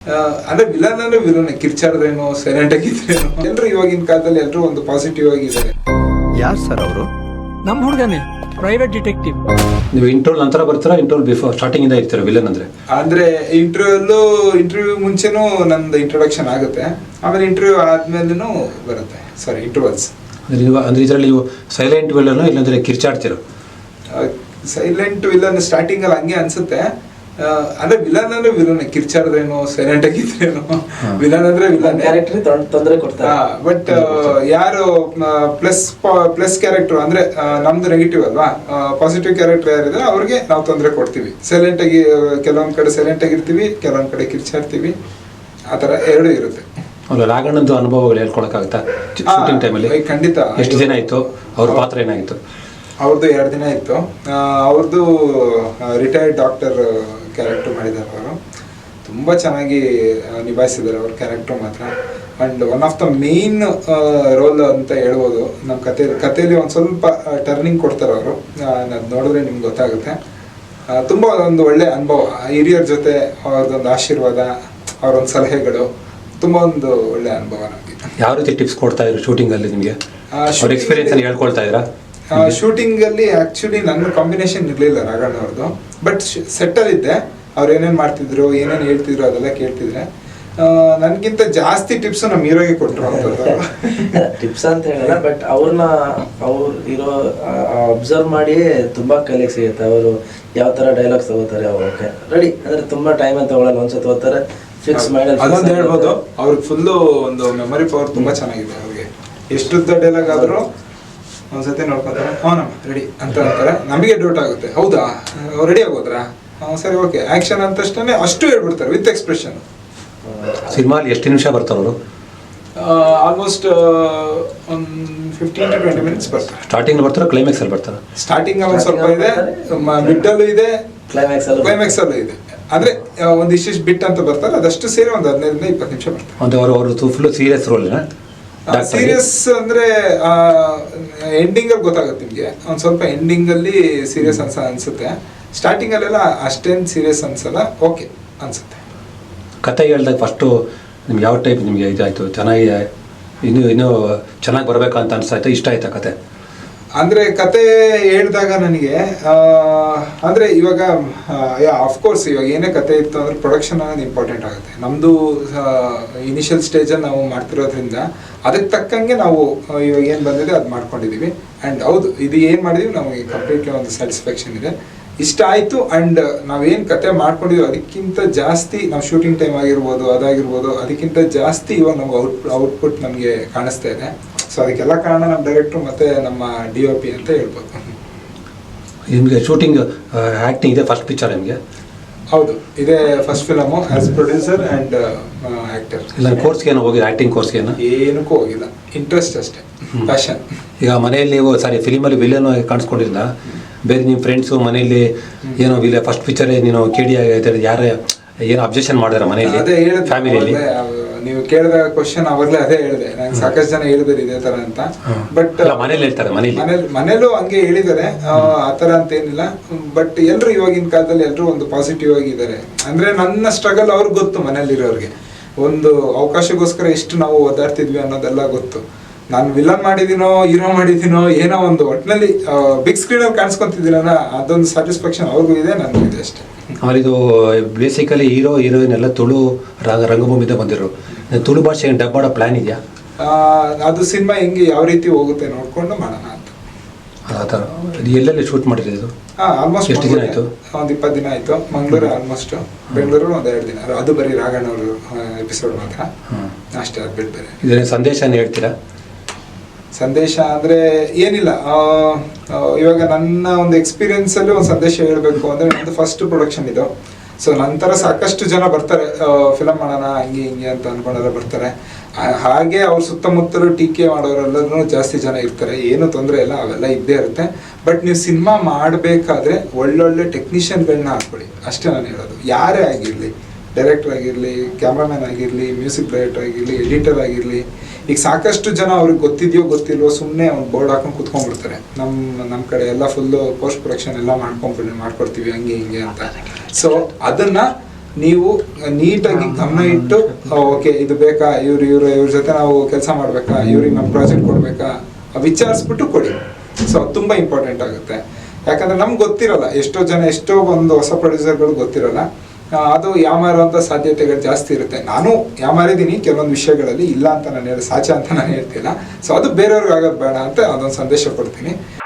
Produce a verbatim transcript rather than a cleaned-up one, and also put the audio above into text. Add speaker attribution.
Speaker 1: ಅಂದ್ರೆ ವಿಲನ್ ಅಂದ್ರೆ ವಿಲನ್ ಕಿರ್ಚಾಡ್ರೇನೋ ಸೈಲೆಂಟ್ ಆಗಿದ್ರೇನೋ ಎಲ್ರು ಇವಾಗಿನ ಕಾಲದಲ್ಲಿ ಎಲ್ರು ಒಂದು ಪಾಸಿಟಿವ್ ಆಗಿದ್ದಾರೆ.
Speaker 2: ಯಾರು ಸರ್ ಅವರು?
Speaker 3: ನಮ್ಮ ಹುಡುಗನೇ, ಪ್ರೈವೇಟ್ ಡಿಟೆಕ್ಟಿವ್.
Speaker 4: ನೀವು ಇಂಟರ್ವ್ಯೂ ನಂತರ ಬರ್ತೀರಾ ಇಂಟರ್ವ್ಯೂ ಬಿಫೋರ್ ಸ್ಟಾರ್ಟಿಂಗ್ ಇಂದ ಇರ್ತೀರಾ ವಿಲನ್ ಅಂದ್ರೆ?
Speaker 1: ಅಂದ್ರೆ ಇಂಟರ್ವ್ಯೂ ಇಂಟರ್ವ್ಯೂ ಮುಂಚೆನೂ ನಂದು ಇಂಟ್ರೊಡಕ್ಷನ್ ಆಗುತ್ತೆ, ಆಮೇಲೆ ಇಂಟರ್ವ್ಯೂ ಆದ್ಮೇಲೂ ಬರುತ್ತೆ. ಸಾರಿ ಇಂಟರ್ವಲ್ಸ್
Speaker 4: ಅಂದ್ರೆ ನೀವು ಅಂದ್ರೆ ಇದರಲ್ಲಿ ನೀವು ಸೈಲೆಂಟ್ ವಿಲನ್ ಇಲ್ಲಾಂದ್ರೆ ಕಿರ್ಚಾಡ್ತೀರೋ?
Speaker 1: ಸೈಲೆಂಟ್ ವಿಲನ್ ಸ್ಟಾರ್ಟಿಂಗ್ ಅಲ್ಲಿ ಹಂಗೆ ಅನ್ಸುತ್ತೆ. ಅಂದ್ರೆ ವಿಲನ್ ಅಂದ್ರೆ ವಿಲನ್ ಕಿರ್ಚಾಡ್ರೇನೋ ಸೈಲೆಂಟ್ ಆಗಿದ್ರೇನೋ ವಿಲನ್ ಅಂದ್ರೆ ವಿಲನ್
Speaker 5: ತೊಂದರೆ ಕೊಡ್ತಾರೆ.
Speaker 1: ಬಟ್ ಯಾರು ಪ್ಲಸ್ ಪ್ಲಸ್ ಕ್ಯಾರೆಕ್ಟರ್ ಅಂದ್ರೆ ನಮ್ದು ನೆಗೆಟಿವ್ ಅಲ್ವಾ, ಪಾಸಿಟಿವ್ ಕ್ಯಾರೆಕ್ಟರ್ ಯಾರಿದೆ ಅವ್ರಿಗೆ ನಾವು ತೊಂದರೆ ಕೊಡ್ತೀವಿ. ಸೈಲೆಂಟ್ ಆಗಿ ಕೆಲವೊಂದ್ ಕಡೆ ಸೈಲೆಂಟ್ ಆಗಿರ್ತೀವಿ, ಕೆಲವೊಂದ್ ಕಡೆ ಕಿರ್ಚಾಡ್ತೀವಿ, ಆತರ ಎರಡು ಇರುತ್ತೆ.
Speaker 4: ಅಲ್ಲ ರಾಘಣ್ಣಂದು ಅನುಭವಗಳು ಹೇಳ್ಕೊಳಕ್ಕಾಗತ್ತಾ ಶೂಟಿಂಗ್ ಟೈಮಲ್ಲಿ?
Speaker 1: ಖಂಡಿತ.
Speaker 4: ಎಷ್ಟು ದಿನ ಆಯ್ತು ಅವ್ರ ಪಾತ್ರ ಏನಾಗಿತ್ತು?
Speaker 1: ಅವ್ರದ್ದು ಎರಡು ದಿನ ಇತ್ತು. ಅವ್ರದ್ದು ರಿಟೈರ್ಡ್ ಡಾಕ್ಟರ್ ಕ್ಯಾರೆಕ್ಟರ್ ಮಾಡಿದ್ದಾರೆ. ಅವರು ತುಂಬ ಚೆನ್ನಾಗಿ ನಿಭಾಯಿಸಿದ್ದಾರೆ ಅವ್ರ ಕ್ಯಾರೆಕ್ಟರ್ ಮಾತ್ರ. And one of the main role ಅಂತ ಹೇಳ್ಬೋದು ನಮ್ಮ ಕತೆ ಕಥೆಯಲ್ಲಿ. ಒಂದು ಸ್ವಲ್ಪ ಟರ್ನಿಂಗ್ ಕೊಡ್ತಾರೆ ಅವರು, ಅದು ನೋಡಿದ್ರೆ ನಿಮ್ಗೆ ಗೊತ್ತಾಗುತ್ತೆ. ತುಂಬ ಒಂದು ಒಳ್ಳೆ ಅನುಭವ, ಹಿರಿಯರ ಜೊತೆ ಅವ್ರದ್ದೊಂದು ಆಶೀರ್ವಾದ, ಅವರೊಂದು ಸಲಹೆಗಳು, ತುಂಬ ಒಂದು ಒಳ್ಳೆ ಅನುಭವ ನಮಗೆ.
Speaker 4: ಯಾವ ರೀತಿ ಟಿಪ್ಸ್ ಕೊಡ್ತಾ ಇದ್ರು ಶೂಟಿಂಗ್ ಅಲ್ಲಿ ನಿಮಗೆ? ಅವ್ರ ಎಕ್ಸ್ಪೀರಿಯನ್ಸ್ ಅನ್ನು ಹೇಳ್ಕೊಳ್ತಾ ಇದ್ರಾ?
Speaker 1: ಶೂಟಿಂಗ್ ಅಲ್ಲಿ ಆಕ್ಚುಲಿ ನನ್ನ ಕಾಂಬಿನೇಷನ್ ಇರಲಿಲ್ಲ ರಾಘಣ್ಣ ಅವ್ರದ್ದು. ಬಟ್ ಸೆಟ್ಟಲ್ಲಿ ಇದ್ದೆ, ಅವ್ರು ಏನೇನು ಮಾಡ್ತಿದ್ರು, ಏನೇನು ಹೇಳ್ತಿದ್ರು ಅದೆಲ್ಲ ಕೇಳ್ತಿದ್ರೆ. ನನ್ಗಿಂತ ಜಾಸ್ತಿ ಟಿಪ್ಸ್ ನಮ್ಮ ಹೀರೋಗೆ ಕೊಟ್ಟರು ಅಂತದ್ದು.
Speaker 5: ಟಿಪ್ಸ್ ಅಂತ ಹೇಳಲ್ಲ, ಬಟ್ ಅವ್ರನ್ನ ಅವ್ರು ಇರೋ ಅಬ್ಸರ್ವ್ ಮಾಡಿ ತುಂಬಾ ಕಲಿಯಕ್ಕೆ ಸಿಗುತ್ತೆ. ಅವರು ಯಾವ ತರ ಡೈಲಾಗ್ಸ್ ತಗೋತಾರೆ, ಓಕೆ ರೆಡಿ ಅಂದ್ರೆ ತುಂಬಾ ಟೈಮ್ ಅಂತ ತಗೊಳ್ಳಲ್ಲ, ಒಂದ್ಸತಿ ಓದ್ತಾರೆ ಫಿಕ್ಸ್ ಮಾಡಿ.
Speaker 1: ಅದೊಂದು ಹೇಳ್ಬೋದು, ಅವ್ರಿಗೆ ಫುಲ್ಲು ಒಂದು ಮೆಮೊರಿ ಪವರ್ ತುಂಬಾ ಚೆನ್ನಾಗಿದೆ. ಅವ್ರಿಗೆ ಎಷ್ಟುದ್ದ ಡೈಲಾಗ್ ಆದ್ರೂ ಒಂದ್ಸತಿ ನೋಡ್ಕೊಂತಾರೆ, ಅವನಮ್ಮ ರೆಡಿ ಅಂತ ಅಂತಾರೆ. ನಮಗೆ ಡೌಟ್ ಆಗುತ್ತೆ, ಹೌದಾ ರೆಡಿ ಆಗೋದ್ರಾ, ಸರಿ ಓಕೆ ಆಕ್ಷನ್ ಅಂತ ಅಷ್ಟೇ ಅಷ್ಟು ಹೇಳ್ಬಿಡ್ತಾರೆ ವಿತ್ ಎಕ್ಸ್ಪ್ರೆಷನ್.
Speaker 4: ಸಿನಿಮಾಲಿ ಎಷ್ಟು ನಿಮಿಷ ಬರ್ತಾರೆ ಅವರು?
Speaker 1: ಆಲ್ಮೋಸ್ಟ್ ಒಂದು ಫಿಫ್ಟೀನ್ ಟು ಟ್ವೆಂಟಿ ಮಿನಿಟ್ಸ್ ಬರ್ತಾರೆ.
Speaker 4: ಸ್ಟಾರ್ಟಿಂಗ್ ಬರ್ತಾರೆ, ಕ್ಲೈಮ್ಯಾಕ್ಸ್ ಅಲ್ಲಿ ಬರ್ತಾರೆ?
Speaker 1: ಸ್ಟಾರ್ಟಿಂಗ್ ಅಲ್ಲಿ ಒಂದು ಸ್ವಲ್ಪ ಇದೆ, ಮಿಡ್ಡಲ್ಲೂ ಇದೆ,
Speaker 5: ಕ್ಲೈಮ್ಯಾಕ್ಸ್ ಅಲ್ಲೂ
Speaker 1: ಕ್ಲೈಮ್ಯಾಕ್ಸ್ ಅಲ್ಲೂ ಇದೆ. ಅಂದ್ರೆ ಒಂದು ಇಷ್ಟಿಷ್ಟು ಬಿಟ್ ಅಂತ ಬರ್ತಾರೆ, ಅದಷ್ಟು ಸೇರಿ ಒಂದು ಹದಿನೈದರಿಂದ ಇಪ್ಪತ್ತು ನಿಮಿಷ ಬರ್ತಾರೆ.
Speaker 4: ಒಂದು ಅವರು ಅವರು ಫುಲ್ ಸೀರಿಯಸ್ ರೋಲ್?
Speaker 1: ಸೀರಿಯಸ್ ಅಂದ್ರೆ ಎಂಡಿಂಗ್ ಅಲ್ಲಿ ಗೊತ್ತಾಗುತ್ತೆ ನಿಮ್ಗೆ. ಒಂದ್ ಸ್ವಲ್ಪ ಎಂಡಿಂಗ್ ಅಲ್ಲಿ ಸೀರಿಯಸ್ ಅನ್ಸ ಅನ್ಸುತ್ತೆ. ಸ್ಟಾರ್ಟಿಂಗ್ ಅಲ್ಲೆಲ್ಲ ಅಷ್ಟೇನು ಸೀರಿಯಸ್ ಅನ್ಸಲ್ಲ, ಓಕೆ ಅನ್ಸುತ್ತೆ.
Speaker 4: ಕತೆ ಹೇಳ್ದಾಗ ಫಸ್ಟು ನಿಮ್ಗೆ ಯಾವ ಟೈಪ್ ನಿಮಗೆ ಇದಾಯ್ತು, ಚೆನ್ನಾಗಿ ಇನ್ನೂ ಇನ್ನೂ ಚೆನ್ನಾಗಿ ಬರ್ಬೇಕಂತ ಅನ್ಸಾಯ್ತು, ಇಷ್ಟ ಆಯ್ತಾ ಕತೆ?
Speaker 1: ಅಂದ್ರೆ ಕತೆ ಹೇಳಿದಾಗ ನನಗೆ ಅಂದ್ರೆ ಇವಾಗ ಅಫ್ಕೋರ್ಸ್ ಇವಾಗ ಏನೇ ಕತೆ ಇತ್ತು ಅಂದ್ರೆ ಪ್ರೊಡಕ್ಷನ್ ಅನ್ನೋದು ಇಂಪಾರ್ಟೆಂಟ್ ಆಗುತ್ತೆ. ನಮ್ದು ಇನಿಷಿಯಲ್ ಸ್ಟೇಜಲ್ಲಿ ನಾವು ಮಾಡ್ತಿರೋದ್ರಿಂದ ಅದಕ್ಕೆ ತಕ್ಕಂಗೆ ನಾವು ಇವಾಗ ಏನು ಬಂದಿದೆ ಅದು ಮಾಡ್ಕೊಂಡಿದೀವಿ. ಆ್ಯಂಡ್ ಹೌದು, ಇದು ಏನು ಮಾಡಿದೀವಿ ನಮಗೆ ಕಂಪ್ಲೀಟ್ಲಿ ಒಂದು ಸ್ಯಾಟಿಸ್ಫ್ಯಾಕ್ಷನ್ ಇದೆ, ಇಷ್ಟ ಆಯಿತು. ಆ್ಯಂಡ್ ನಾವೇನು ಕತೆ ಮಾಡ್ಕೊಂಡಿದ್ದೀವಿ ಅದಕ್ಕಿಂತ ಜಾಸ್ತಿ ನಾವು ಶೂಟಿಂಗ್ ಟೈಮ್ ಆಗಿರ್ಬೋದು, ಅದಾಗಿರ್ಬೋದು, ಅದಕ್ಕಿಂತ ಜಾಸ್ತಿ ಇವಾಗ ನಮ್ಗೆ ಔಟ್ ಔಟ್ಪುಟ್ ನಮಗೆ ಕಾಣಿಸ್ತಾ ಇದೆ. ಸೊ ಅದಕ್ಕೆಲ್ಲ ಕಾರಣ ನಮ್ಮ ಡೈರೆಕ್ಟ್ರು ಮತ್ತು ನಮ್ಮ ಡಿ ಒ ಪಿ ಅಂತ ಹೇಳ್ಬೋದು.
Speaker 4: ನಿಮಗೆ ಶೂಟಿಂಗ್ ಆ್ಯಕ್ಟಿಂಗ್ ಇದೆ ಫಸ್ಟ್ ಪಿಕ್ಚರ್ ನಿಮಗೆ?
Speaker 1: ಹೌದು, ಇದೇ first film as producer and actor.
Speaker 4: ಇಲ್ಲ ಕೋರ್ಸ್ಗೆ ಏನೋ ಹೋಗಿದೆ, ಆ್ಯಕ್ಟಿಂಗ್ ಕೋರ್ಸ್ಗೆ ಏನೋ?
Speaker 1: ಏನಕ್ಕೂ ಹೋಗಿಲ್ಲ, ಇಂಟ್ರೆಸ್ಟ್ ಅಷ್ಟೇ, ಪ್ಯಾಷನ್.
Speaker 4: ಈಗ ಮನೆಯಲ್ಲಿ ನೀವು ಸಾರಿ ಫಿಲಿಮಲ್ಲಿ ವಿಲನ್ ಕಾಣಿಸ್ಕೊಂಡಿಲ್ಲ, ಬೇರೆ ನಿಮ್ಮ ಫ್ರೆಂಡ್ಸು ಮನೆಯಲ್ಲಿ ಏನೋ ವಿಲ ಫಸ್ಟ್ ಪಿಕ್ಚರೇ ನೀನು ಕೇಳಿ ಯಾರು ಏನೋ ಅಬ್ಜೆಕ್ಷನ್ ಮಾಡಿದಾರೆ ಮನೆಯಲ್ಲಿ?
Speaker 1: ಅದೇ ಹೇಳಿದೆ
Speaker 4: ಫ್ಯಾಮಿಲಿಯಲ್ಲಿ.
Speaker 1: ನೀವು ಕೇಳಿದ ಕ್ವಶನ್ ಅವಾಗಲೇ ಅದೇ ಹೇಳಿದೆ, ನಂಗೆ ಸಾಕಷ್ಟು ಜನ ಹೇಳಿದಾರೆ ಇದೇ ತರ ಅಂತ. ಬಟ್
Speaker 4: ಮನೇಲಿ ಹೇಳ್ತಾರೆ, ಮನೇಲಿ
Speaker 1: ಮನೇಲಿ ಮನೇಲೂ ಹಂಗೆ ಹೇಳಿದ್ದಾರೆ, ಆತರ ಅಂತ ಏನಿಲ್ಲ. ಬಟ್ ಎಲ್ರು ಇವಾಗಿನ ಕಾಲದಲ್ಲಿ ಎಲ್ರು ಒಂದು ಪಾಸಿಟಿವ್ ಆಗಿದ್ದಾರೆ. ಅಂದ್ರೆ ನನ್ನ ಸ್ಟ್ರಗಲ್ ಅವ್ರಿಗೆ ಗೊತ್ತು, ಮನೇಲಿರೋರಿಗೆ ಒಂದು ಅವಕಾಶಕ್ಕೋಸ್ಕರ ಎಷ್ಟು ನಾವು ಓದಾಡ್ತಿದ್ವಿ ಅನ್ನೋದೆಲ್ಲ ಗೊತ್ತು. ನಾನು ವಿಲನ್ ಮಾಡಿದ್ದೀನೋ ಹೀರೋ ಮಾಡಿದ್ದೀನೋ ಏನೋ ಒಂದು ಒಟ್ಟಿನಲ್ಲಿ ಬಿಗ್ ಸ್ಕ್ರೀನಲ್ಲಿ ಕಾಣಿಸ್ಕೊಂತಿದ್ದೀನಲ್ಲ, ಅದೊಂದು ಸ್ಯಾಟಿಸ್ಫ್ಯಾಕ್ಷನ್ ಅವ್ರಿಗೂ ಇದೆ, ನನಗೂ ಇದೆ ಅಷ್ಟೇ.
Speaker 4: ಆಮೇಲೆ ಇದು ಬೇಸಿಕಲಿ ಹೀರೋ ಹೀರೋಯಿನ್ ಎಲ್ಲ ತುಳು ರಂಗ ರಂಗಭೂಮಿಯಿಂದ ಬಂದಿರೋ, ತುಳು ಭಾಷೆ ಡಬ್ ಮಾಡೋ ಪ್ಲಾನ್ ಇದೆಯಾ?
Speaker 1: ಅದು ಸಿನಿಮಾ ಹೆಂಗೆ ಯಾವ ರೀತಿ ಹೋಗುತ್ತೆ ನೋಡ್ಕೊಂಡು ಮಾಡೋಣ ಅಂತ.
Speaker 4: ಆ ಥರ ಎಲ್ಲೆಲ್ಲಿ ಶೂಟ್ ಮಾಡಿರೋದು?
Speaker 1: ಹಾಂ, ಆಲ್ಮೋಸ್ಟ್
Speaker 4: ಎಷ್ಟು ದಿನ ಆಯಿತು?
Speaker 1: ಒಂದು ಇಪ್ಪತ್ತು ದಿನ ಆಯಿತು. ಮಂಗಳೂರು ಆಲ್ಮೋಸ್ಟ್, ಬೆಂಗಳೂರು ಒಂದು ಎರಡು ದಿನ. ಅದು ಬರೀ ರಾಘಣ್ಣ ಅವರು ಎಪಿಸೋಡ್ ಮಾತ್ರ ಅಷ್ಟೇ, ಅದು ಬಿಟ್ಟು ಬೇರೆ.
Speaker 4: ಇದರ ಸಂದೇಶನ ಹೇಳ್ತೀರಾ?
Speaker 1: ಸಂದೇಶ ಅಂದರೆ ಏನಿಲ್ಲ, ಇವಾಗ ನನ್ನ ಒಂದು ಎಕ್ಸ್ಪೀರಿಯನ್ಸಲ್ಲಿ ಒಂದು ಸಂದೇಶ ಹೇಳಬೇಕು ಅಂದರೆ, ನಂದು ಫಸ್ಟ್ ಪ್ರೊಡಕ್ಷನ್ ಇದು. ಸೊ ನಂತರ ಸಾಕಷ್ಟು ಜನ ಬರ್ತಾರೆ, ಫಿಲಮ್ ಮಾಡೋಣ ಹಂಗೆ ಹಿಂಗೆ ಅಂತ ಅಂದ್ಕೊಂಡೆಲ್ಲ ಬರ್ತಾರೆ. ಹಾಗೆ ಅವ್ರ ಸುತ್ತಮುತ್ತಲು ಟೀಕೆ ಮಾಡೋರೆಲ್ಲರೂ ಜಾಸ್ತಿ ಜನ ಇರ್ತಾರೆ, ಏನು ತೊಂದರೆ ಇಲ್ಲ, ಅವೆಲ್ಲ ಇದ್ದೇ ಇರುತ್ತೆ. ಬಟ್ ನೀವು ಸಿನಿಮಾ ಮಾಡಬೇಕಾದ್ರೆ ಒಳ್ಳೊಳ್ಳೆ ಟೆಕ್ನಿಷಿಯನ್ಗಳನ್ನ ಹಾಕ್ಕೊಳ್ಳಿ, ಅಷ್ಟೇ ನಾನು ಹೇಳೋದು. ಯಾರೇ ಆಗಿರಲಿ, ಡೈರೆಕ್ಟರ್ ಆಗಿರಲಿ, ಕ್ಯಾಮ್ರಾಮನ್ ಆಗಿರಲಿ, ಮ್ಯೂಸಿಕ್ ಡೈರೆಕ್ಟರ್ ಆಗಿರಲಿ, ಎಡಿಟರ್ ಆಗಿರಲಿ. ಈಗ ಸಾಕಷ್ಟು ಜನ ಅವ್ರಿಗೆ ಗೊತ್ತಿದೆಯೋ ಗೊತ್ತಿಲ್ವೋ ಸುಮ್ಮನೆ ಒಂದು ಬೋರ್ಡ್ ಹಾಕೊಂಡು ಕುತ್ಕೊಂಡ್ಬಿಡ್ತಾರೆ. ನಮ್ಮ ನಮ್ಮ ಕಡೆ ಎಲ್ಲ ಫುಲ್ಲು ಪೋಸ್ಟ್ ಪ್ರೊಡಕ್ಷನ್ ಎಲ್ಲ ಮಾಡ್ಕೊಂಡ್ಬಿಟ್ಟು ಮಾಡ್ಕೊಡ್ತೀವಿ ಹಂಗೆ ಹಿಂಗೆ ಅಂತ. ಸೊ ಅದನ್ನು ನೀವು ನೀಟಾಗಿ ಗಮನ ಇಟ್ಟು ಓಕೆ ಇದು ಬೇಕಾ, ಇವ್ರು ಇವ್ರು ಇವ್ರ ಜೊತೆ ನಾವು ಕೆಲಸ ಮಾಡ್ಬೇಕಾ, ಇವ್ರಿಗೆ ನಮ್ಮ ಪ್ರಾಜೆಕ್ಟ್ ಕೊಡ್ಬೇಕಾ ವಿಚಾರಿಸ್ಬಿಟ್ಟು ಕೊಡಿ. ಸೊ ಅದು ತುಂಬ ಇಂಪಾರ್ಟೆಂಟ್ ಆಗುತ್ತೆ. ಯಾಕಂದ್ರೆ ನಮ್ಗೆ ಗೊತ್ತಿರಲ್ಲ, ಎಷ್ಟೋ ಜನ ಎಷ್ಟೋ ಒಂದು ಹೊಸ ಪ್ರೊಡ್ಯೂಸರ್ಗಳು ಗೊತ್ತಿರಲ್ಲ, ಅದು ಯಾಮಾರುವಂಥ ಸಾಧ್ಯತೆಗಳು ಜಾಸ್ತಿ ಇರುತ್ತೆ. ನಾನು ಯಾಮಾರಿದ್ದೀನಿ ಕೆಲವೊಂದು ವಿಷಯಗಳಲ್ಲಿ, ಇಲ್ಲ ಅಂತ ನಾನು ಹೇಳಿ ಸಾಚ ಅಂತ ನಾನು ಹೇಳ್ತಿಲ್ಲ. ಸೊ ಅದು ಬೇರೆಯವ್ರಿಗೆ ಆಗೋದು ಬೇಡ ಅಂತ ಅದೊಂದು ಸಂದೇಶ ಕೊಡ್ತೀನಿ.